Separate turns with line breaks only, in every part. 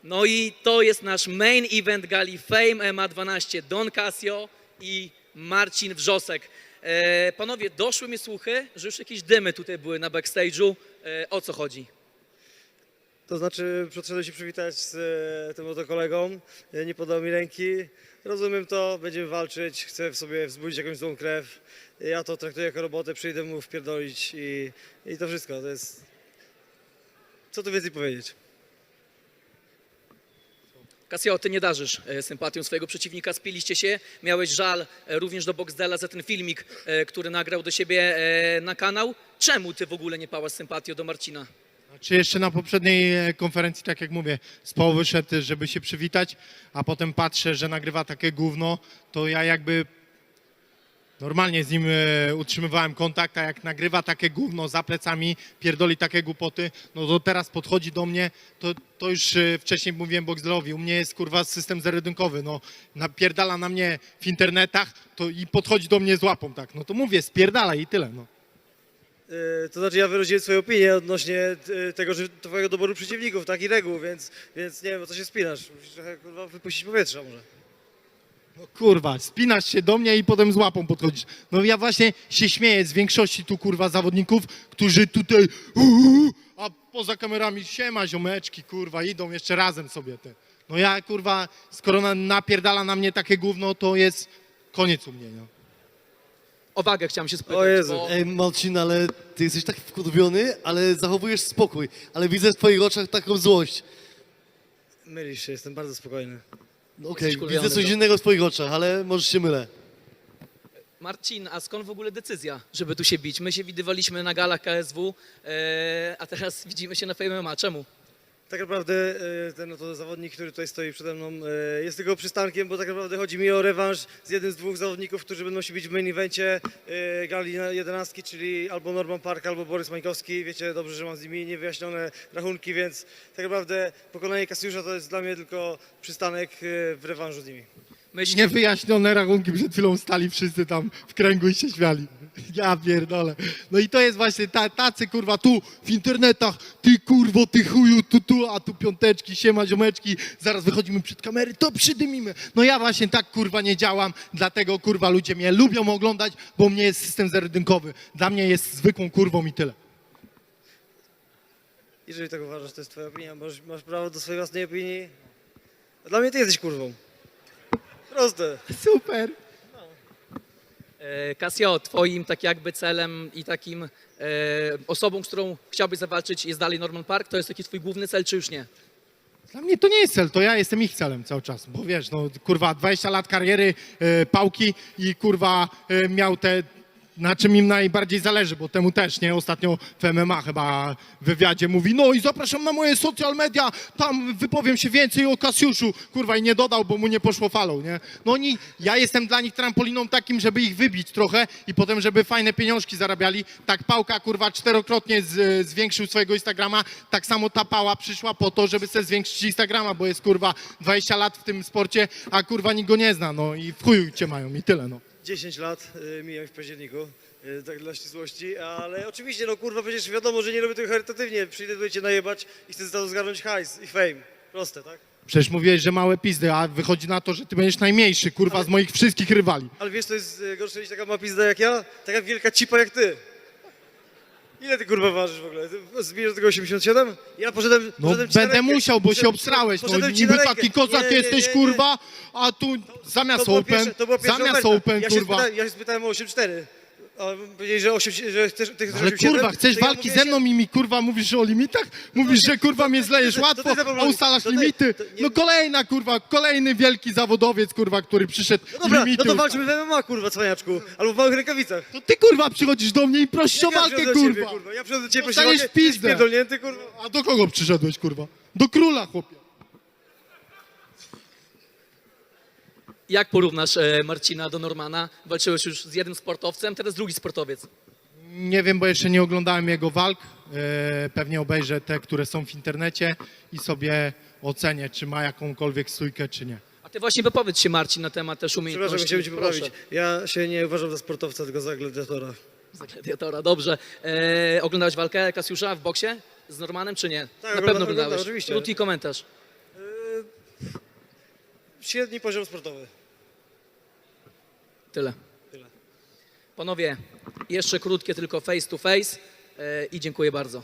No i to jest nasz main event gali Fame MMA 12. Don Casio i Marcin Wrzosek. Panowie, doszły mi słuchy, że już jakieś dymy tutaj były na backstage'u. O co chodzi?
To znaczy, przyszedłem się przywitać z tym oto kolegą, nie podał mi ręki. Rozumiem to, będziemy walczyć, chcę w sobie wzbudzić jakąś złą krew. Ja to traktuję jako robotę, przyjdę mu wpierdolić i to wszystko. To jest... Co tu więcej powiedzieć?
Casio, ty nie darzysz sympatią swojego przeciwnika, spiliście się, miałeś żal również do Boxdela za ten filmik, który nagrał do siebie na kanał. Czemu ty w ogóle nie pałasz sympatią do Marcina?
Czy jeszcze na poprzedniej konferencji, tak jak mówię, z połowy wyszedł, żeby się przywitać, a potem patrzę, że nagrywa takie gówno, to ja jakby normalnie z nim utrzymywałem kontakt, a jak nagrywa takie gówno za plecami, pierdoli takie głupoty, no to teraz podchodzi do mnie, to już wcześniej mówiłem Boxdelowi, u mnie jest kurwa system zerodynkowy, no napierdala na mnie w internetach to i podchodzi do mnie z łapą, tak, no to mówię, spierdala i tyle, no.
To znaczy, ja wyraziłem swoją opinię odnośnie tego, że twojego doboru przeciwników, tak i reguł, więc nie wiem, o co się spinasz. Musisz trochę kurwa wypuścić powietrza może.
No kurwa, spinasz się do mnie i potem z łapą podchodzisz. No ja właśnie się śmieję z większości tu kurwa zawodników, którzy tutaj a poza kamerami siema ziomeczki kurwa idą jeszcze razem sobie te. No ja kurwa, skoro napierdala na mnie takie gówno, to jest koniec u mnie, no.
O wagę chciałem się spytać.
O Jezu.
Bo...
Ej, Marcin, ale ty jesteś tak wkurwiony, ale zachowujesz spokój. Ale widzę w twoich oczach taką złość.
Mylisz się, jestem bardzo spokojny.
No okej,
Jesteś wkurwiony,
widzę coś
to-
innego w twoich oczach, ale może się mylę.
Omarcin, a skąd w ogóle decyzja, żeby tu się bić? My się widywaliśmy na galach KSW, a teraz widzimy się na Fame MMA. Czemu?
Tak naprawdę ten oto zawodnik, który tutaj stoi przede mną, jest tylko przystankiem, bo tak naprawdę chodzi mi o rewanż z jednym z dwóch zawodników, którzy będą się bić w main evencie gali 11, czyli albo Norman Park, albo Borys Mańkowski. Wiecie dobrze, że mam z nimi niewyjaśnione rachunki, więc tak naprawdę pokonanie Kasiusza to jest dla mnie tylko przystanek w rewanżu z nimi.
Myśl...
Niewyjaśnione rachunki, przed chwilą stali wszyscy tam w kręgu i się śmiali. Ja pierdolę. No i to jest właśnie tacy kurwa tu w internetach, ty kurwo, ty chuju, tu, a tu piąteczki, siema ziomeczki, zaraz wychodzimy przed kamery, to przydymimy. No ja właśnie tak kurwa nie działam, dlatego kurwa ludzie mnie lubią oglądać, bo u mnie jest system zerodynkowy. Dla mnie jest zwykłą kurwą i tyle.
Jeżeli tak uważasz, to jest twoja opinia, masz prawo do swojej własnej opinii. A dla mnie ty jesteś kurwą. Proste.
Super.
Casio, twoim tak jakby celem i takim osobą, z którą chciałbyś zawalczyć jest dalej Norman Park? To jest taki twój główny cel, czy już nie?
Dla mnie to nie jest cel, to ja jestem ich celem cały czas, bo wiesz, no kurwa 20 lat kariery, pałki i kurwa miał te, na czym im najbardziej zależy, bo temu też, nie? Ostatnio w MMA chyba w wywiadzie mówi, no i zapraszam na moje social media, tam wypowiem się więcej o Kasiuszu, kurwa i nie dodał, bo mu nie poszło falą, nie? No oni, ja jestem dla nich trampoliną takim, żeby ich wybić trochę i potem, żeby fajne pieniążki zarabiali. Tak Pałka, kurwa, 4-krotnie zwiększył swojego Instagrama, tak samo ta Pała przyszła po to, żeby sobie zwiększyć Instagrama, bo jest, kurwa, 20 lat w tym sporcie, a kurwa nikt go nie zna, no i w chuju cię mają i tyle, no.
10 lat mijam w październiku, tak dla ścisłości, ale oczywiście, no kurwa, przecież wiadomo, że nie robię tego charytatywnie. Przyjdę tutaj cię najebać i chcę za to zgarnąć hajs i fame. Proste, tak?
Przecież mówiłeś, że małe pizdy, a wychodzi na to, że ty będziesz najmniejszy, kurwa, z moich wszystkich rywali.
Ale wiesz, to jest gorsze niż taka ma pizda jak ja? Taka wielka cipa jak ty. Ile ty kurwa ważysz w ogóle? Ty zbijesz do tego 87? Ja poszedłem
No
ci na
będę
rękę.
musiał, bo się
Poszedłem-
obsrałeś, no
poszedłem ci
niby
na rękę.
taki kozak
Nie,
jesteś,
nie.
kurwa, a tu zamiast open, zamiast open, kurwa.
Ja się spytałem o 8,4. A powiedzieli, że, że ty chcesz
Ale
8,7,
kurwa, chcesz
to ja
walki
mówię,
ze mną i mi kurwa mówisz o limitach? Mówisz, że kurwa mnie zlejesz
to
łatwo,
ty za
a
problem.
ustalasz
To ty-
limity.
to nie-
No kolejna kurwa, kolejny wielki zawodowiec kurwa, który przyszedł
No dobra,
limity
no to
ustala.
walczmy w MMA, kurwa, cwaniaczku. Albo w małych rękawicach.
To ty kurwa przychodzisz do mnie i prosisz o
Ja
walkę,
przychodzę do ciebie,
kurwa.
kurwa. Ja przychodzę do ciebie, proszę
Dostaniesz
walkę,
pizdę.
pierdolnięty, kurwa.
A do kogo przyszedłeś, kurwa? Do króla, chłopie.
Jak porównasz Marcina do Normana? Walczyłeś już z jednym sportowcem, teraz drugi sportowiec.
Nie wiem, bo jeszcze nie oglądałem jego walk. Pewnie obejrzę te, które są w internecie i sobie ocenię, czy ma jakąkolwiek stójkę, czy nie.
A ty właśnie wypowiedz się, Marcin, na temat też umiejętności.
Przepraszam, chciałem cię
Proszę.
poprawić. Ja się nie uważam za sportowca, tylko za gladiatora.
Za gladiatora, dobrze. Oglądałeś walkę Kasiusza w boksie z Normanem, czy nie?
Tak,
Na pewno
oglądałem,
oglądałeś.
oczywiście.
Krótki komentarz.
Średni poziom sportowy.
Tyle.
Tyle.
Panowie, jeszcze krótkie tylko face to face i dziękuję bardzo.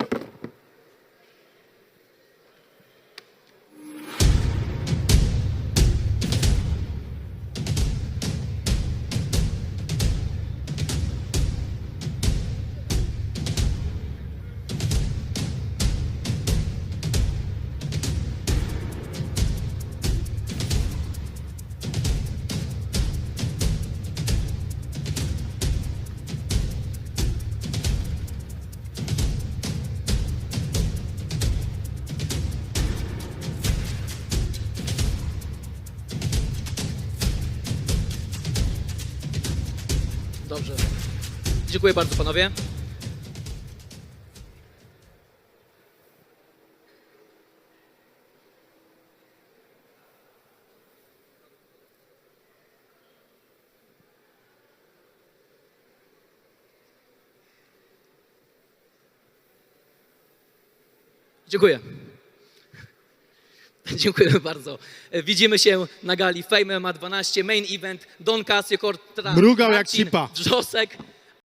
Dobrze. Dziękuję bardzo, panowie. Dziękuję. Dziękujemy bardzo. Widzimy się na gali Fame MMA 12, main event, Don Casio kontra
Mrugał jak
Marcin
cipa.
Wrzosek.